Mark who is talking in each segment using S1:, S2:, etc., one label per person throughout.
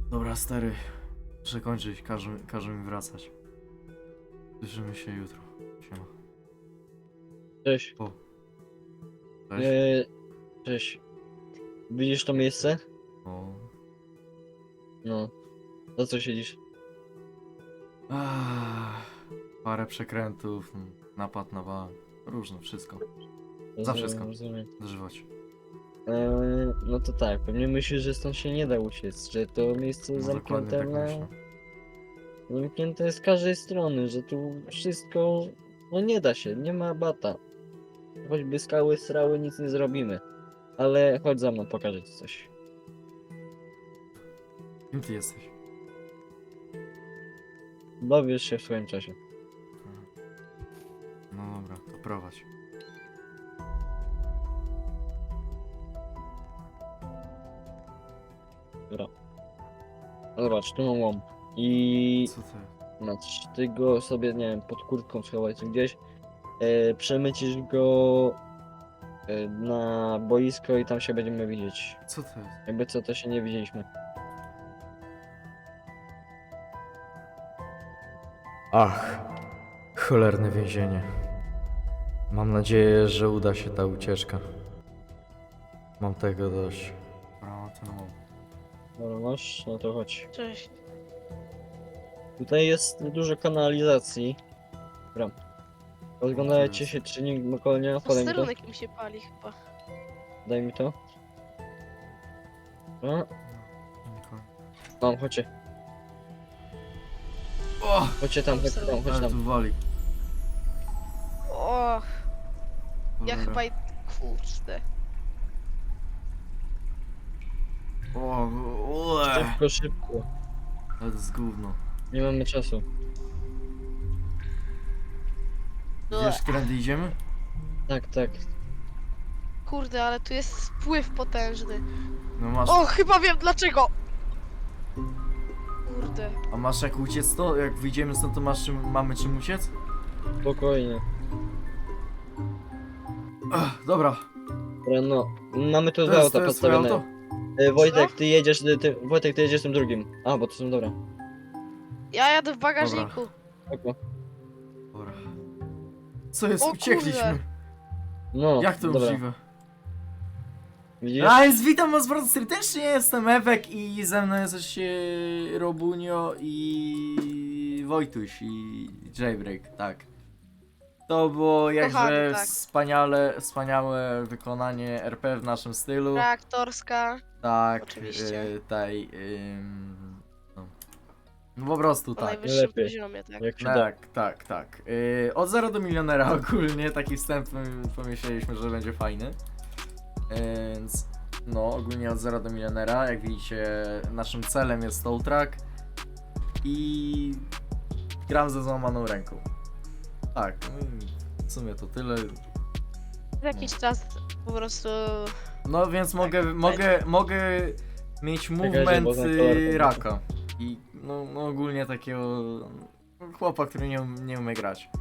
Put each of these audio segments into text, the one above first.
S1: Dobra, stary. Muszę kończyć, każe mi wracać. Słyszymy się jutro. Siema.
S2: Cześć.
S1: O. Cześć.
S2: Cześć. Widzisz to miejsce?
S1: O.
S2: No. Za co siedzisz?
S1: Parę przekrętów, napad na bank. Różne, wszystko. Za wszystko.
S2: Rozumiem.
S1: Dożywać.
S2: No to tak, pewnie myślisz, że stąd się nie da uciec, że to miejsce
S1: No dokładnie
S2: zamknięte
S1: tak
S2: na...
S1: myślę.
S2: Zamknięte jest z każdej strony, że tu wszystko... No nie da się, nie ma bata. Choćby skały, srały, nic nie zrobimy. Ale chodź za mną, pokażę ci coś.
S1: Kim ty jesteś?
S2: Dowiesz się w swoim czasie.
S1: No dobra, to prowadź.
S2: Dobra. No zobacz, tu mam łom. I...
S1: Co ty?
S2: Znaczy, ty go sobie, nie wiem, pod kurtką schowaj czy gdzieś. Przemycisz go na boisko i tam się będziemy widzieć.
S1: Co ty?
S2: Jakby co, to się nie widzieliśmy.
S1: Ach, cholerne więzienie. Mam nadzieję, że uda się ta ucieczka. Mam tego dość.
S2: Dobra, masz? No to chodź.
S3: Cześć.
S2: Tutaj jest dużo kanalizacji. Dobra. Rozglądajcie
S1: jest?
S2: się, czy nikt dookoła nie ma. Podaj mi to.
S3: Posterunek mi się pali chyba.
S2: Daj mi to. No, mam, chodźcie.
S1: O!
S2: Chodźcie tam, chodźcie tam, chodź
S1: Ale
S2: tam.
S1: tu wali.
S3: O, ja
S1: Cholera.
S3: chyba i... Kurde.
S1: O,
S2: Szybko, szybko.
S1: Ale to jest gówno.
S2: Nie mamy czasu.
S1: Wiesz, którędy idziemy?
S2: Tak, tak.
S3: Kurde, ale tu jest spływ potężny.
S1: No masz.
S3: O, chyba wiem dlaczego! Kurde.
S1: A masz jak uciec to? Jak wyjdziemy stąd, to mamy czym uciec?
S2: Spokojnie.
S1: Dobra.
S2: Dobra, no. Mamy tu
S1: To
S2: dwa
S1: jest,
S2: auta
S1: to jest twoje
S2: podstawione.
S1: auto?
S2: Wojtek, ty jedziesz Wojtek, ty jedziesz tym drugim. A, bo to są dobra.
S3: Ja jadę w bagażniku.
S2: Spoko.
S1: Dobra. Co jest?
S3: O
S1: Uciekliśmy.
S3: kurde.
S2: No,
S1: Jak to
S2: dobra.
S1: możliwe?
S2: Widzisz?
S1: A więc witam was bardzo serdecznie, jestem Ewek i ze mną jest jeszcze Robunio i Wojtuś i Jaybreak, tak. To było jakże
S3: Kochany, tak.
S1: wspaniałe wykonanie RP w naszym stylu.
S3: Reaktorska.
S1: Tak,
S3: Oczywiście.
S1: no po prostu
S3: Po
S1: tak.
S3: najwyższym
S2: lepiej.
S3: poziomie, tak.
S2: Jak się da.
S1: Tak. Od 0 do milionera ogólnie, taki wstęp pomyśleliśmy, że będzie fajny. Więc no, ogólnie od 0 do milionera, jak widzicie, naszym celem jest Soul Track i gram ze złamaną ręką. Tak, no i w sumie to tyle.
S3: W jakiś czas po prostu...
S1: No więc
S3: Tak,
S1: mogę mieć
S2: Czekajcie,
S1: movement
S2: bo ten kolor
S1: raka. I no ogólnie takiego chłopa, który nie umie grać.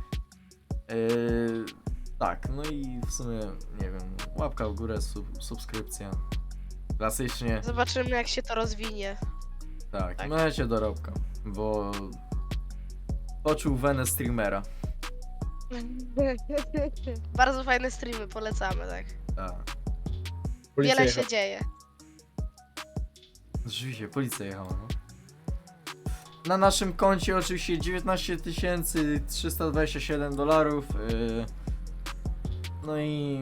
S1: Tak, no i w sumie, nie wiem, łapka w górę, subskrypcja. Klasycznie,
S3: Zobaczymy jak się to rozwinie.
S1: tak,
S3: tak.
S1: możecie dorobka, bo poczuł wenę streamera.
S3: Bardzo fajne streamy, polecamy, tak.
S1: Tak,
S2: Policja
S3: Wiele
S2: jechała.
S3: się dzieje.
S1: rzeczywiście, policja jechała, no. Na naszym koncie oczywiście 19 327 dolarów. No i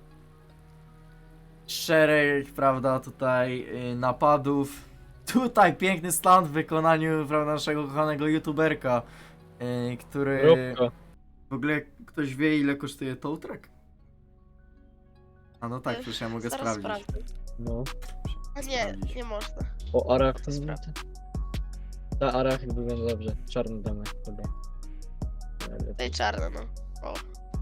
S1: szereg, prawda, tutaj napadów. Tutaj piękny stand w wykonaniu, prawda, naszego kochanego youtuberka, który...
S2: Robka.
S1: W ogóle ktoś wie, ile kosztuje tow truck? A no tak, przecież ja mogę
S3: Zaraz
S1: sprawdzić.
S3: sprawdzę.
S2: No.
S3: A nie,
S1: Sprawdzić.
S3: nie można.
S2: O, Arach.
S3: To sprawdzę.
S2: Ta Arach wygląda dobrze. Czarny damy chyba.
S3: Tej czarne, no. O.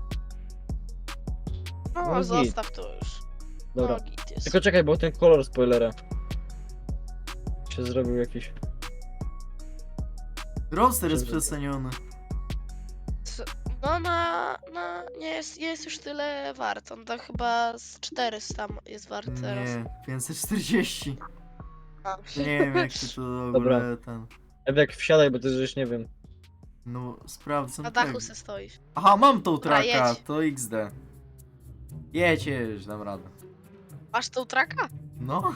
S3: No,
S2: No git.
S3: zostaw to już.
S2: Dobra.
S3: No, git jest.
S2: Tylko czekaj, bo ten kolor spoilera się zrobił jakiś.
S1: Roster jest
S2: Żeby-
S1: przeceniony.
S3: No nie jest już tyle wart. On to chyba z 400 jest wart teraz.
S1: Nie, 540.
S3: A.
S1: Nie wiem jak ty to w
S2: Dobra.
S1: ogóle ten...
S2: Ewek, wsiadaj, bo ty już nie wiem.
S1: No, sprawdzam
S3: Na dachu
S1: tego.
S3: se stoisz.
S1: Aha, mam tą
S3: Dobra,
S1: traka,
S3: jedź.
S1: to XD. Jedź, dam radę.
S3: Masz tą traka?
S1: No.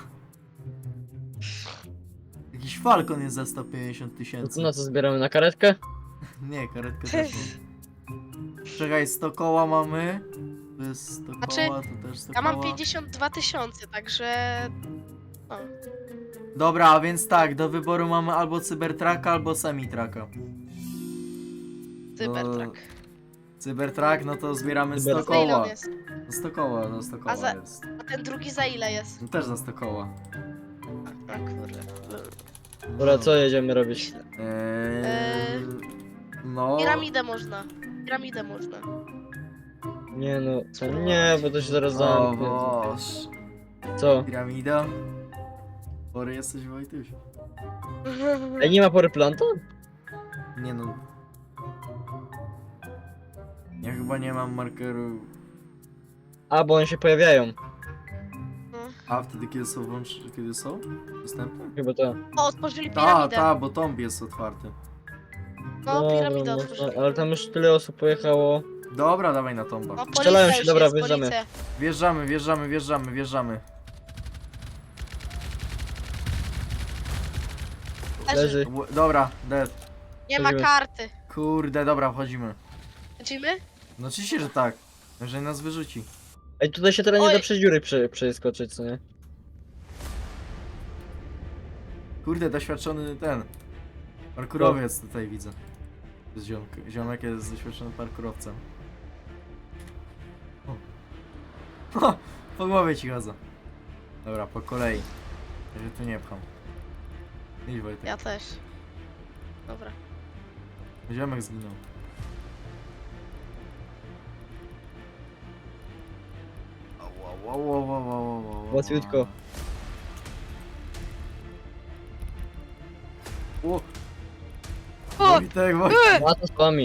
S1: Jakiś Falcon jest za 150
S2: No
S1: tysięcy.
S2: to na co zbieramy? Na karetkę?
S1: Nie, karetkę też mam. Czekaj, 100 koła mamy. To jest 100
S3: Znaczy,
S1: koła, to też 100
S3: Ja mam
S1: koła.
S3: 52 tysiące, także... O.
S1: Dobra, a więc tak, do wyboru mamy albo Cybertrucka, albo Semi-Trucka.
S3: Cybertruck.
S1: Cybertruck, no to zbieramy 100
S2: Cybertruck.
S3: Za ile on
S1: koła.
S3: jest?
S1: No 100 koła, no 100 koła
S3: za-
S1: jest.
S3: A ten drugi za ile jest?
S1: No też za 100 koła.
S3: A kurde.
S2: Dobra, co jedziemy robić?
S1: No.
S3: Piramidę można. Piramidę można.
S2: Nie no, co? Nie, bo to się zaraz
S1: O
S2: zamknie.
S1: Boż.
S2: Co?
S1: Piramida? Chory jesteś, Wojtuś?
S2: Ej, nie ma pory planta?
S1: Nie no. Ja chyba nie mam markeru.
S2: A, bo one się pojawiają.
S1: A wtedy kiedy są kiedy są? Dostępne?
S2: Chyba to.
S3: O, otworzyli
S1: Ta,
S3: piramidę.
S1: ta, bo tomb jest otwarty.
S3: No, piramidę
S2: no
S3: otworzyli.
S2: to, ale tam już tyle osób pojechało.
S1: Dobra, dawaj na tomba.
S3: No,
S2: Strzelają
S3: policja
S2: się,
S3: już
S2: dobra,
S3: jest,
S2: wjeżdżamy.
S3: policja.
S1: Wjeżdżamy.
S2: Leży.
S1: Dobra, dead.
S3: Nie ma
S2: Chodzimy.
S3: karty.
S1: Kurde, dobra, wchodzimy.
S3: Lecimy?
S1: No oczywiście, że tak. Jeżeli nas wyrzuci.
S2: Ej, tutaj się teraz nie
S3: Oj.
S2: da przez dziury przeskoczyć, co nie?
S1: Kurde, doświadczony ten. Parkurowiec tutaj widzę. To jest ziomek jest doświadczonym parkurowcem. O. Po głowie ci chodzę. Dobra, po kolei. Ja się tu nie pcham. Idź Wojtek.
S3: Ja też. Dobra.
S1: Ziomek zginął.
S2: Łatwiutko.
S1: O!
S3: O!
S1: Wojtek, Wojtek!
S2: A to z wami.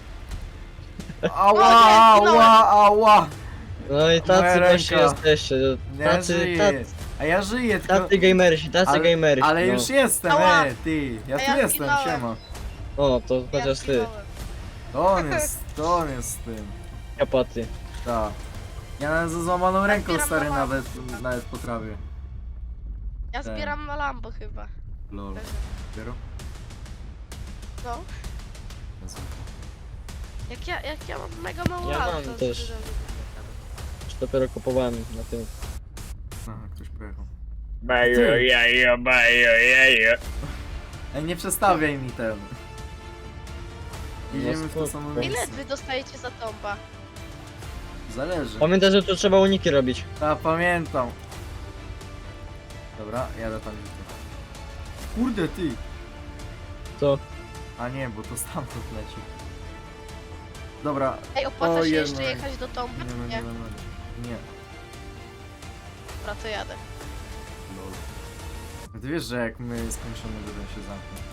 S1: Ała,
S3: O, nie,
S1: ała!
S2: No i
S1: Moja
S2: tacy właśnie
S1: ręka.
S2: jesteście.
S1: Nie
S2: Tacy,
S1: żyję. A ja żyję, tylko...
S2: tacy gamersi, tacy gamersi.
S1: Ale
S2: no.
S1: już jestem,
S3: Ała.
S1: ty! Ja
S3: A
S1: tu
S3: ja
S1: jestem,
S3: zginąłem.
S1: siema.
S2: O, to chociaż ty,
S3: zginąłem.
S1: To on jest tym.
S2: kapaty.
S1: Tak. Ja nawet ze złamaną ręką
S3: zbieram
S1: stary
S3: na
S1: nawet potrafię.
S3: Ja
S1: Tak.
S3: zbieram na Lambo chyba.
S1: Lol. Dopiero?
S3: No.
S1: Jezu.
S3: Jak ja mam mega mało
S2: Ja
S3: lat,
S2: mam
S3: to
S2: też.
S3: szczerze
S2: Już dopiero kupowałem na tym.
S1: Aha, ktoś pojechał.
S2: Bajo,
S1: Ty.
S2: jajo, bajo, jajo.
S1: Ej, nie przestawiaj mi ten. Idziemy w to
S2: spoko.
S1: samo
S3: Ile
S1: miejsce.
S3: wy dostajecie za tomba?
S1: Zależy.
S2: Pamiętaj, że tu trzeba uniki robić.
S1: Ta, pamiętam. Dobra, jadę tam. Kurde ty!
S2: Co?
S1: A nie, bo to stamtąd leci. Dobra,
S3: Ej, opłaca
S1: O,
S3: się jeszcze
S1: jednak.
S3: jechać do tomba?
S1: nie. Nie.
S3: Dobra, to jadę.
S1: Lol. A ty wiesz, że jak my skończymy, to ten się zamknie.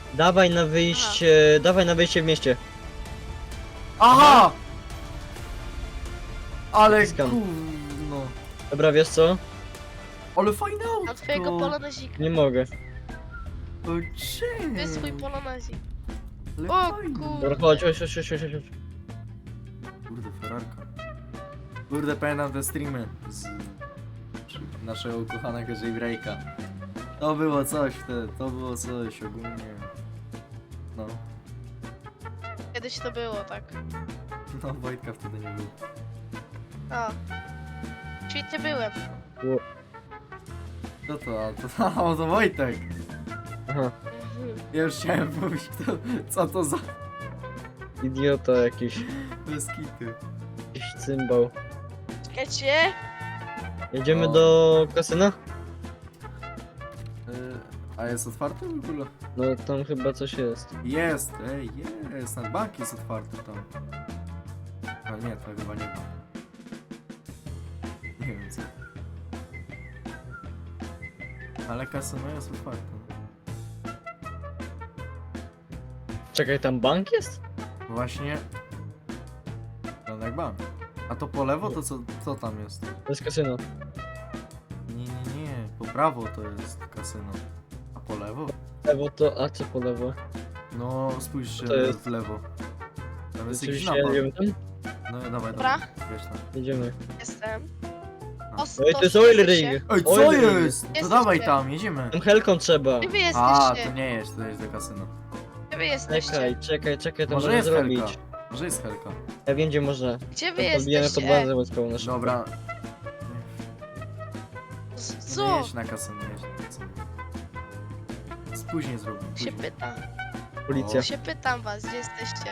S2: Dawaj na wyjście w mieście.
S1: Aha! Ale
S2: Naciskam.
S1: gówno.
S2: Dobra, wiesz co?
S1: Ale fajne autko.
S3: Mam twojego polonezika.
S2: Nie mogę.
S1: O, czym?
S3: To jest twój polonezik.
S1: Ale
S3: O,
S1: fajne.
S2: Dobra, chodź.
S1: Kurde, Ferrarka. Kurde, pamiętam te streamy z naszego ukochanego Jaybreaka. To było coś wtedy, to było coś ogólnie. No,
S3: Kiedyś to było, tak.
S1: no Wojtka wtedy nie było.
S3: O. Świetnie byłem.
S1: Co to? To Wojtek.
S2: Aha,
S1: Ja już chciałem powiedzieć, co to za
S2: idiota jakiś.
S1: beskity.
S2: Jakiś cymbał.
S3: Czekajcie.
S2: Jedziemy
S1: O.
S2: do kasyna?
S1: A jest otwarty w ogóle?
S2: No tam chyba coś jest.
S1: Jest, jest, ten bank jest otwarty tam. A nie, to chyba nie ma. Nie wiem co. Ale kasyno jest otwarte.
S2: Czekaj, tam bank jest?
S1: Właśnie. Ten jak bank. A to po lewo to co tam jest?
S2: To jest kasyno.
S1: Nie, po prawo to jest kasyno. kasyno. A po lewo?
S2: Lewo to, a co po lewo?
S1: No, spójrzcie
S2: To jest-
S1: w lewo. Tam jest jakiś
S2: Oczywiście,
S1: napad.
S2: jedziemy tam?
S1: No dawaj,
S3: Dobra.
S1: dawaj. Wiesz tam.
S2: Jedziemy.
S3: Jestem.
S1: A.
S3: O,
S2: Oj, to jest oil
S3: się.
S2: ring!
S1: Ej, co
S2: Oil ring.
S1: jest? To
S3: Jesteście.
S1: dawaj tam, jedziemy.
S2: Tam helką trzeba.
S3: Gdzie wy
S1: A,
S3: jesteście?
S1: to nie jest, to jest do kasyno.
S3: Gdzie wy jesteście?
S2: Czekaj, to
S1: Może
S2: można
S1: jest
S2: zrobić.
S1: helka. Może jest helka.
S2: Ja wiem gdzie można.
S3: Gdzie wy
S2: Podbijemy pod
S3: jesteście?
S2: bazę wojskową naszą.
S1: Dobra,
S3: Co?
S1: nie jedź na kasyno, nie jedź na kasyno. Później zrobimy.
S3: Się
S1: Później.
S3: pytam.
S2: Policja.
S3: Się pytam was, gdzie jesteście?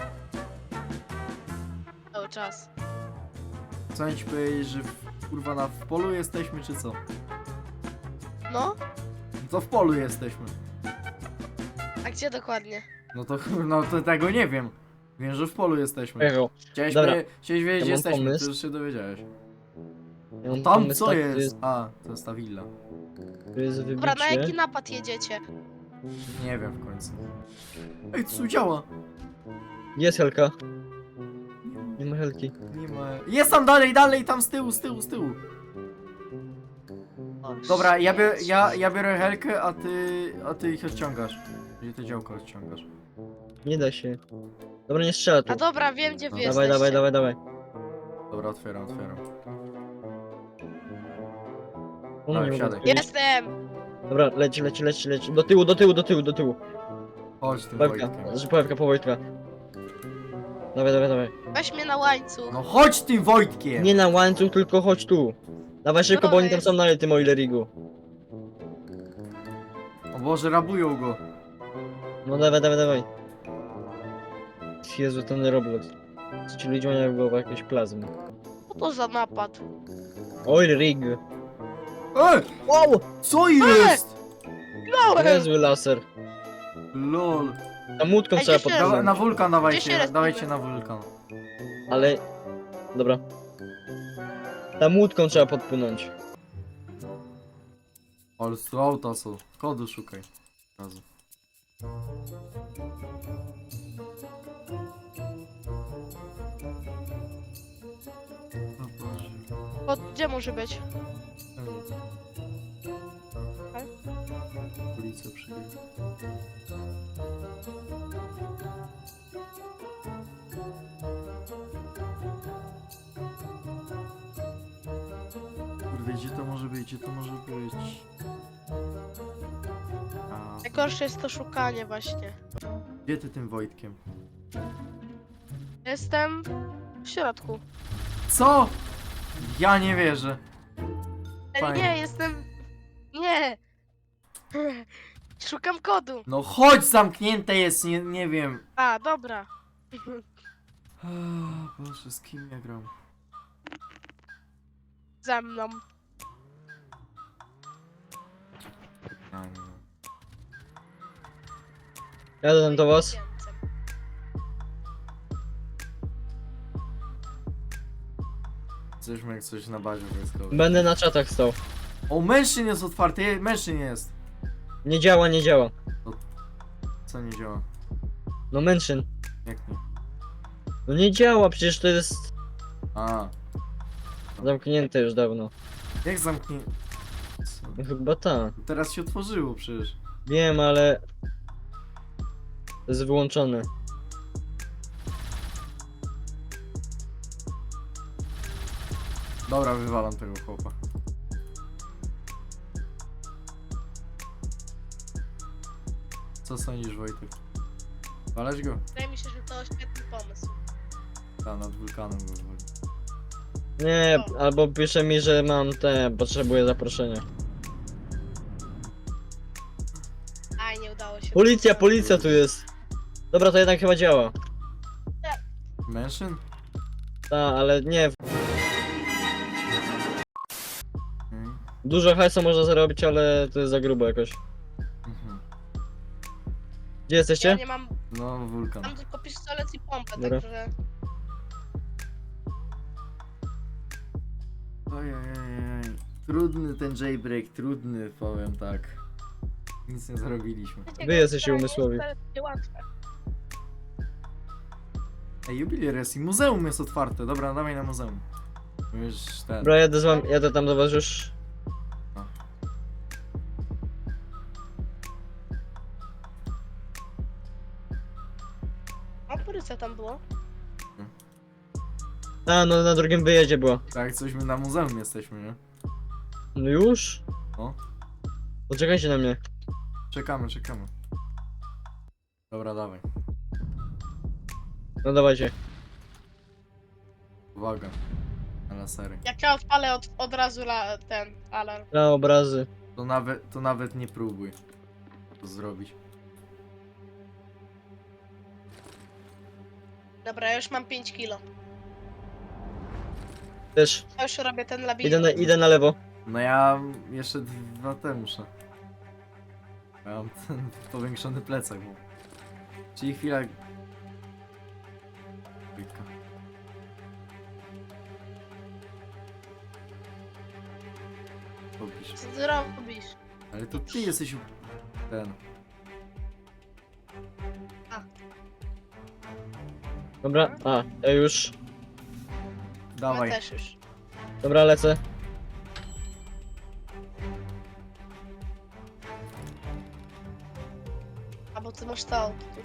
S3: Cały czas.
S1: Co ci powiedzieć, że kurwa w polu jesteśmy, czy co?
S3: No?
S1: To w polu jesteśmy.
S3: A gdzie dokładnie?
S1: No to tego nie wiem. Wiem, że w polu jesteśmy.
S2: Pojechał.
S1: Chciałeś
S2: Dobra.
S1: wiedzieć, gdzie
S2: Ja mam
S1: jesteśmy,
S2: pomysł.
S1: ty już się dowiedziałeś.
S2: Ja mam
S1: Tam
S2: pomysł
S1: co
S2: taki,
S1: jest? A, to jest ta willa.
S2: Tu jest
S3: Dobra, na
S2: wybicie.
S3: jaki napad jedziecie?
S1: Nie wiem w końcu. Ej, co działa?
S2: Jest helka. Nie ma helki.
S1: Nie ma... Jest tam dalej, tam z tyłu.
S3: O,
S1: Dobra,
S3: shit.
S1: ja biorę helkę, a ty ich odciągasz. Gdzie ty działko odciągasz?
S2: Nie da się. Dobra, nie strzela tu.
S3: A dobra, wiem gdzie wy
S1: Dawaj,
S3: jesteście.
S2: Dawaj.
S1: Dobra, otwieram.
S2: O,
S1: Dawaj,
S2: nie mogę
S1: wsiadaj.
S2: otworzyć.
S3: Jestem!
S2: Dobra, leci. Do tyłu.
S1: Chodź tym
S2: Pawka,
S1: Wojtkiem.
S2: Pawka po Wojtka. Dawaj.
S3: Weź mnie na łańcuch.
S1: No chodź tym Wojtkiem!
S2: Nie na łańcuch, tylko chodź tu. Dawaj szybko, bo
S3: dobra,
S2: oni tam
S3: jest.
S2: są na tym oilerigu.
S1: O Boże, rabują go.
S2: No dawaj. Jezu, ten Roblox. Co ci ludzie mają w głowie jakieś plazmy.
S3: Co to za napad?
S2: Oil rig.
S1: Wow! Co jest?
S3: No!
S2: Niezły laser.
S1: LOL.
S2: Tam łódką
S3: Ej,
S2: trzeba
S3: gdzie się-
S2: podpłynąć.
S1: Na wulkan
S3: Gdzie się respimy?
S1: dawajcie na wulkan.
S2: Ale... Dobra. Tam łódką trzeba podpłynąć.
S1: Ale tu auta są. Kodu szukaj. Od razu. O Boże.
S3: Gdzie może być?
S1: Policja przyjdzie. Kurde, gdzie to może być? A,
S3: Najgorsze jest to szukanie właśnie.
S1: gdzie ty tym Wojtkiem?
S3: Jestem w środku.
S1: Co? Ja nie wierzę.
S3: Ale
S1: Fajnie.
S3: nie, jestem... Nie! Szukam kodu.
S1: No chodź, zamknięte jest, nie wiem.
S3: A, dobra.
S1: Boże, z kim ja gram?
S3: Ze mną.
S1: A, nie.
S2: Jadę tam do was.
S1: Jesteśmy jak coś na bazie wojskowej.
S2: Będę na czatach stał.
S1: O, mężczyzn jest otwarty, mężczyzn jest.
S2: Nie działa.
S1: Co nie działa?
S2: No mężczyzn.
S1: Jak nie?
S2: No nie działa, przecież to jest
S1: A,
S2: zamknięte już dawno.
S1: jak zamknie... Co?
S2: No chyba ta.
S1: Teraz się otworzyło przecież.
S2: Wiem, ale... To jest wyłączone.
S1: Dobra, wywalam tego chłopa. Co sądzisz, Wojtek? Waleć go?
S3: Wydaje mi się, że to świetny pomysł.
S1: Tam nad wulkanem go wywali.
S2: Nie, albo pisze mi, że mam potrzebuję zaproszenia.
S3: Aj, nie udało się.
S2: Policja tu jest. Dobra, to jednak chyba działa.
S1: Mężczyzn?
S2: Ta, ale nie.
S1: Mhm.
S2: Dużo hajsu można zarobić, ale to jest za grubo jakoś.
S1: Mhm.
S2: Gdzie
S3: Ja
S2: jesteście?
S3: nie mam...
S1: No, wulkan.
S3: Mam tylko pistolet i pompę,
S2: Dobra.
S3: także...
S1: Ojej. Trudny ten jailbreak, trudny, powiem tak. Nic nie zrobiliśmy.
S2: Wy jesteście umysłowi.
S3: Jest wcale łatwe.
S1: Ej, jubiler jest i muzeum jest otwarte. Dobra, dawaj na muzeum. Już ten.
S2: Dobra, jadę tam do was już.
S3: fabryce tam było.
S2: A, no na drugim wyjeździe było.
S1: Tak, coś my na muzeum jesteśmy, nie?
S2: No już?
S1: O.
S2: Poczekajcie na mnie.
S1: Czekamy. Dobra, dawaj.
S2: No dawajcie.
S1: Uwaga. Na lasery.
S3: Jak ja odpalę od razu ten alarm.
S2: Na obrazy.
S1: To nawet nie próbuj to zrobić.
S3: Dobra, ja już mam 5 kilo.
S2: Też.
S3: Ja już robię ten labirynt.
S2: Idę na lewo.
S1: No ja jeszcze 2 te muszę. Ja mam ten powiększony plecak, bo... Czyli chwila... Chwilka. Popisz.
S3: Co ty robisz?
S1: Ale to ty jesteś ten...
S2: Dobra, a, ja już.
S1: Dawaj.
S3: Ja też już.
S2: Dobra, lecę.
S3: A bo ty masz to auto. tu.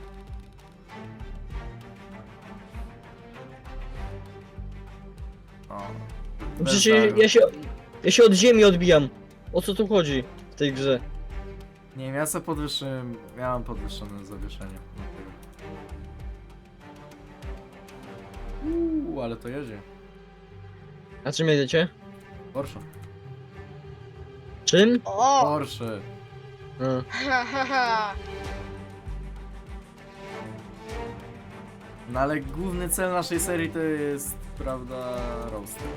S1: O.
S2: Przecież
S1: Bez
S2: ja się od ziemi odbijam. O co tu chodzi w tej grze?
S1: Nie wiem, ja sobie podwyższyłem... Ja mam podwyższone zawieszenie. Ale to jedzie.
S2: A czym jedziecie?
S1: Porsche.
S2: Czym?
S3: O!
S1: Porsche.
S2: A.
S3: Ha, ha, ha.
S1: No ale główny cel naszej serii to jest, prawda, roaster.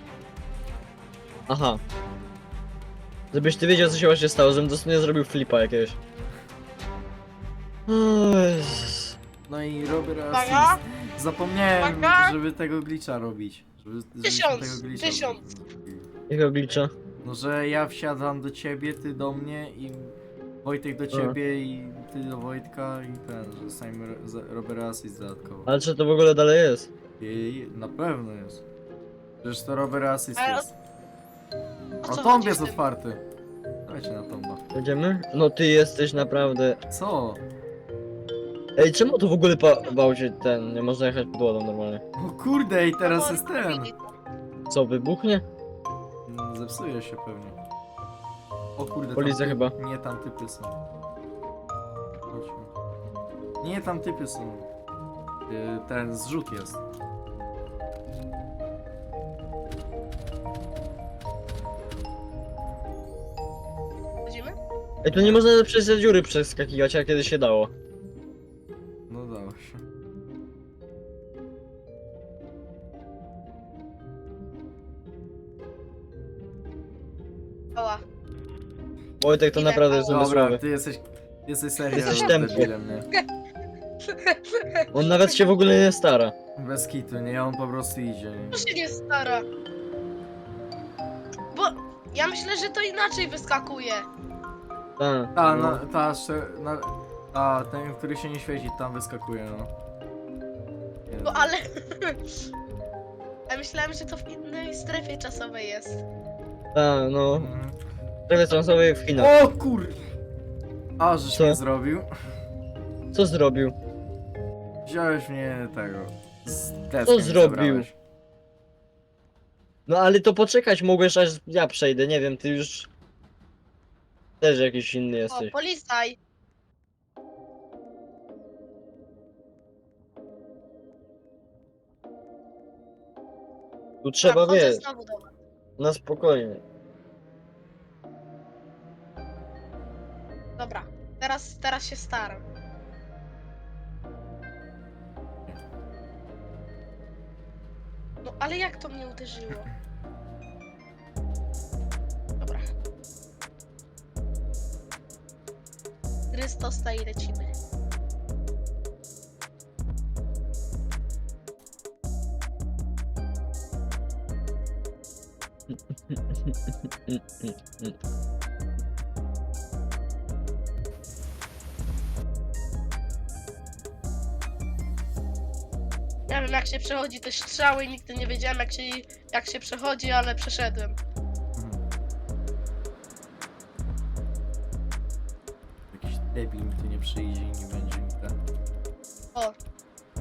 S2: Aha. Żebyś ty wiedział, co się właśnie stało, żebym dosłownie zrobił flipa jakiegoś. O Jezus.
S1: No i robię raz.
S3: Uwaga.
S1: Zapomniałem,
S3: Uwaga.
S1: żeby tego glitcha robić. Żebyśmy
S3: 1000,
S1: tego glitcha
S3: 1000.
S1: zrobili.
S2: Jakiego glicza?
S1: No, że ja wsiadam do ciebie, ty do mnie i Wojtek do ciebie i ty do Wojtka i ten, że sami robię raz i dodatkowo.
S2: Ale czy to w ogóle dalej jest?
S1: I na pewno jest. Przecież to robię raz
S3: Ale
S1: jest.
S3: O
S1: O,
S3: co
S1: tomb
S3: chodzi
S1: jest
S3: z tym?
S1: otwarty. Dajcie na tomba.
S2: Będziemy? No ty jesteś naprawdę...
S1: Co?
S2: Ej, czemu to w ogóle bał się ten... Nie można jechać pod wodą normalnie?
S1: O kurde, i teraz
S3: No,
S1: jest ten.
S3: robili to.
S2: Co, wybuchnie?
S1: Zepsuje się pewnie. O kurde,
S2: Policja chyba.
S1: Nie, tam typy są. Chodźmy. Nie, tam typy są. Ten zrzut jest.
S3: Chodzimy?
S2: Ej, tu nie można przez te dziury przeskakiwać, jak kiedyś się dało.
S1: No dało się.
S3: Oła.
S2: Wojtek to
S3: Idę.
S2: naprawdę jest
S1: Dobra,
S2: umysłowy.
S1: ty jesteś serio
S2: Jesteś
S1: debilem, nie?
S2: On nawet się w ogóle nie stara.
S1: Bez kitu, nie? On po prostu idzie. Nie?
S3: To się nie stara. Bo ja myślę, że to inaczej wyskakuje.
S2: Tak.
S1: Ta,
S2: no.
S1: ten, który się nie świeci, tam wyskakuje, no. Nie,
S3: No ale... Ja myślałem, że to w innej strefie czasowej jest.
S2: Tak, no.
S1: Mhm.
S2: Prawie transowej w Chinach.
S1: O kur... A, żeś
S2: Co?
S1: mnie zrobił.
S2: Co zrobił?
S1: Wziąłeś mnie tego. Z deskiem
S2: Co
S1: mnie
S2: zrobił?
S1: zabrałeś.
S2: No ale to poczekać mogłeś, aż ja przejdę, nie wiem, ty już... Też jakiś inny
S3: O,
S2: jesteś.
S3: polisaj.
S2: Tu trzeba,
S3: Wchodzę
S2: wiesz,
S3: znowu do was.
S2: na spokojnie.
S3: Dobra, teraz się staram. No ale jak to mnie uderzyło? Dobra. Chrystosta i lecimy. Nie wiem jak się przechodzi te strzały, nigdy nie wiedziałem jak się przechodzi, ale przeszedłem.
S1: Mhm. Jakiś debil mi tu nie przyjdzie i nie będzie mi ten.
S3: O,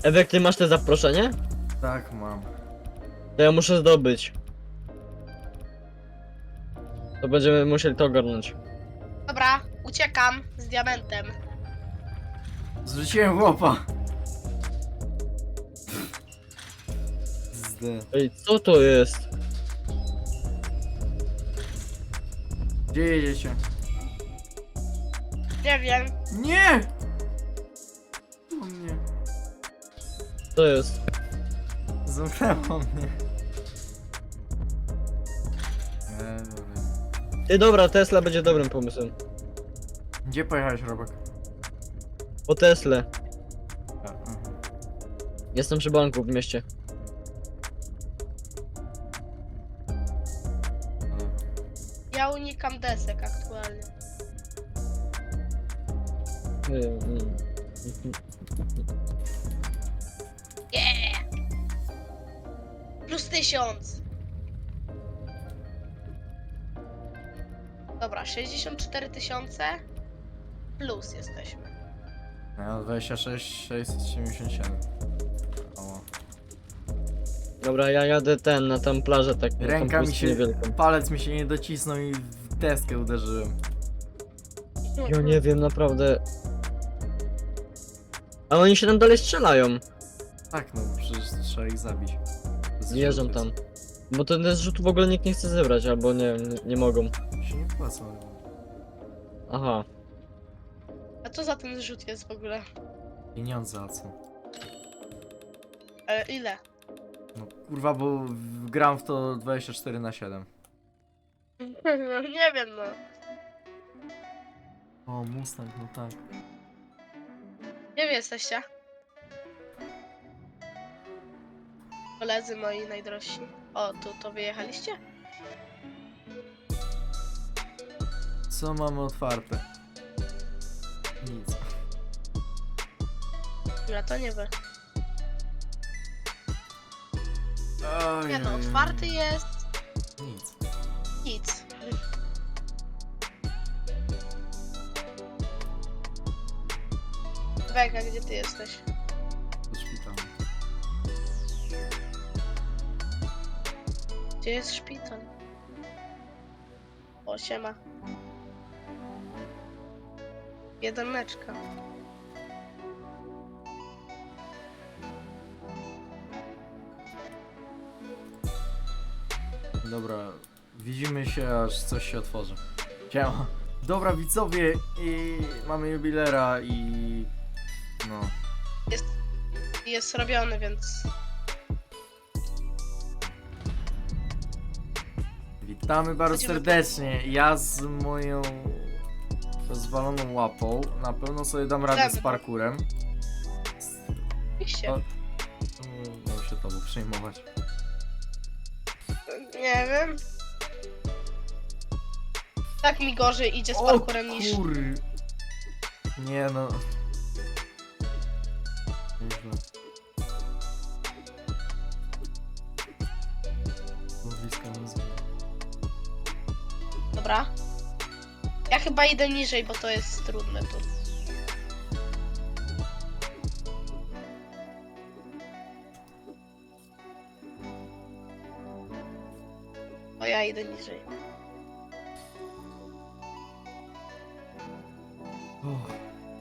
S2: Ewek, ty masz te zaproszenie?
S1: Tak, mam.
S2: To ja muszę zdobyć. To będziemy musieli to ogarnąć.
S3: Dobra, uciekam z diamentem.
S1: Zrzuciłem chłopa. Zdy.
S2: Ej, co to jest?
S1: Gdzie jedziecie?
S3: Nie wiem.
S1: Nie! O mnie.
S2: Co jest?
S1: Zamknęło mnie. Dobra.
S2: Ty, dobra, Tesla będzie dobrym pomysłem.
S1: Gdzie pojechałeś, Robek?
S2: Po Teslę.
S1: Aha.
S2: Jestem przy banku w mieście.
S3: Ja unikam desek aktualnie. Yeah! Plus 1000. Dobra, 64 000 plus jesteśmy.
S1: Ja 26 677. O.
S2: Dobra, ja jadę na tam plażę tak. na tą
S1: Ręka mi
S2: pustynię
S1: się,
S2: wielką.
S1: palec mi się nie docisnął i w deskę uderzyłem.
S2: Ja nie wiem, naprawdę. A oni się tam dalej strzelają.
S1: Tak, no przecież trzeba ich zabić.
S2: Zjeżdżam tam. Bo ten zrzut w ogóle nikt nie chce zebrać, albo nie, nie mogą.
S1: Się nie płacą.
S2: Aha.
S3: A co za ten zrzut jest w ogóle?
S1: Pieniądze a co?
S3: Ile?
S1: No kurwa, bo gram w to 24/7.
S3: Nie wiem no.
S1: O, Mustang, no tak.
S3: Gdzie wy jesteście? Koledzy moi najdrożsi. O, tu to wyjechaliście?
S1: Co mamy otwarte? Nic.
S3: Ja to nie wy.
S1: Oj,
S3: Nie no,
S1: oj, oj.
S3: otwarty jest.
S1: Nic.
S3: Nic. Wega, gdzie ty jesteś?
S1: Do szpitala.
S3: Gdzie jest szpital? O, siema. Jedyneczka.
S1: Dobra, widzimy się, aż coś się otworzy. Siema. Dobra, widzowie, i mamy jubilera i... No.
S3: Jest robiony, więc...
S1: Witamy bardzo
S3: Chodzimy.
S1: serdecznie. Ja z moją rozwaloną łapą na pewno sobie dam radę z
S3: Dobra.
S1: parkurem.
S3: Oczywiście.
S1: O. Miał się tobą przejmować.
S3: Nie wiem. Tak mi gorzej idzie z
S1: O
S3: parkurem niż...
S1: kur... Nie no. Nieźle. Złowiska nazwy.
S3: Dobra. Ja chyba idę niżej, bo to jest trudne tu. O, ja idę niżej.
S1: O.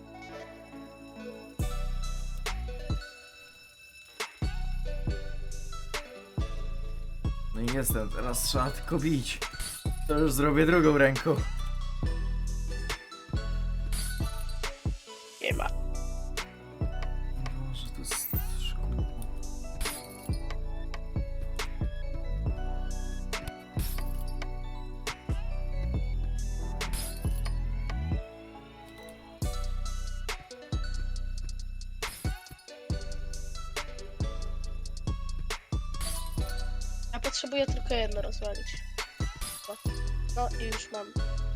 S1: No i jestem, teraz trzeba tylko bić. To już zrobię drugą ręką.
S3: Nie ma.
S1: Boże, to jest szkło.
S3: Ja potrzebuję tylko jedno rozwalić. O. No i już mam.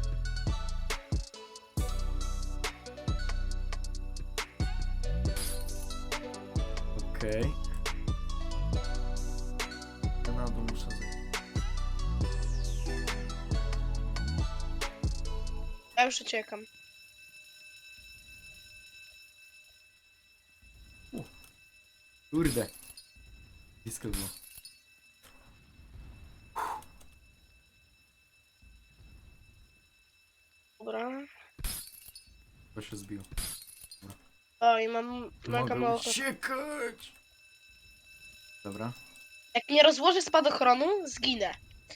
S1: Okej. Ja na dół muszę zejść.
S3: Ja już uciekam.
S1: O. 。
S3: Ja.
S1: Kurde. Blisko było.
S3: Dobra.
S1: To się zbiło.
S3: O, i mam mega
S1: Mogę
S3: mało.
S1: uciekać! Dobra.
S3: Jak nie rozłożę spadochronu, zginę.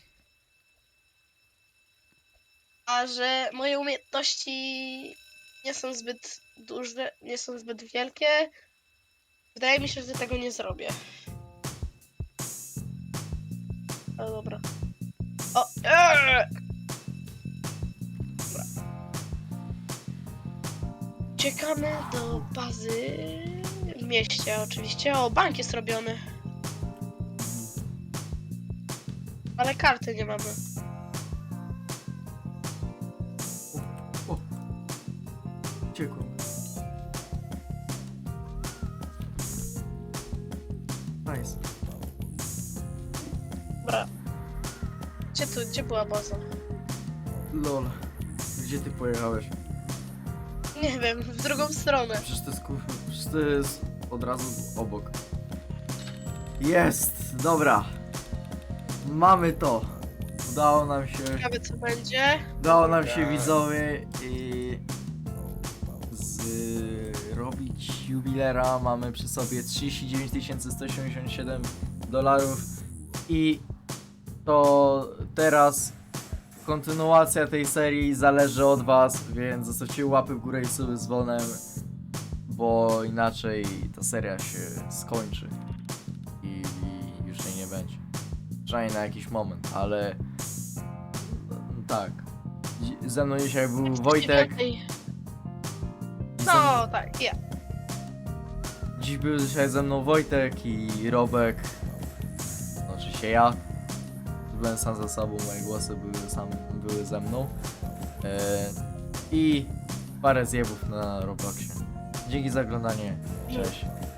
S3: A że moje umiejętności nie są zbyt duże, nie są zbyt wielkie, wydaje mi się, że tego nie zrobię. O, dobra. O, Dobra. Uciekamy do bazy w mieście oczywiście. O, bank jest robiony. Ale karty nie mamy.
S1: O! Uciekłem. Nice.
S3: Dobra. Gdzie była baza?
S1: Lol. Gdzie ty pojechałeś?
S3: Nie wiem, w drugą stronę.
S1: Przecież to jest od razu obok. Jest! Dobra. Mamy to. Udało nam się.
S3: Ciekawe co będzie.
S1: Udało nam się widzowie i zrobić jubilera. Mamy przy sobie 39 177 dolarów i to teraz kontynuacja tej serii zależy od was, więc zostawcie łapy w górę i suby z dzwonem, bo inaczej ta seria się skończy i już jej nie będzie. Przynajmniej na jakiś moment, ale tak. Ze mną dzisiaj był Wojtek.
S3: No tak, ja.
S1: Dziś był dzisiaj ze mną Wojtek i Robek. No, oczywiście ja. Byłem sam ze sobą, moje głosy były ze mną. I parę zjebów na Robloxie. Dzięki za oglądanie. Cześć.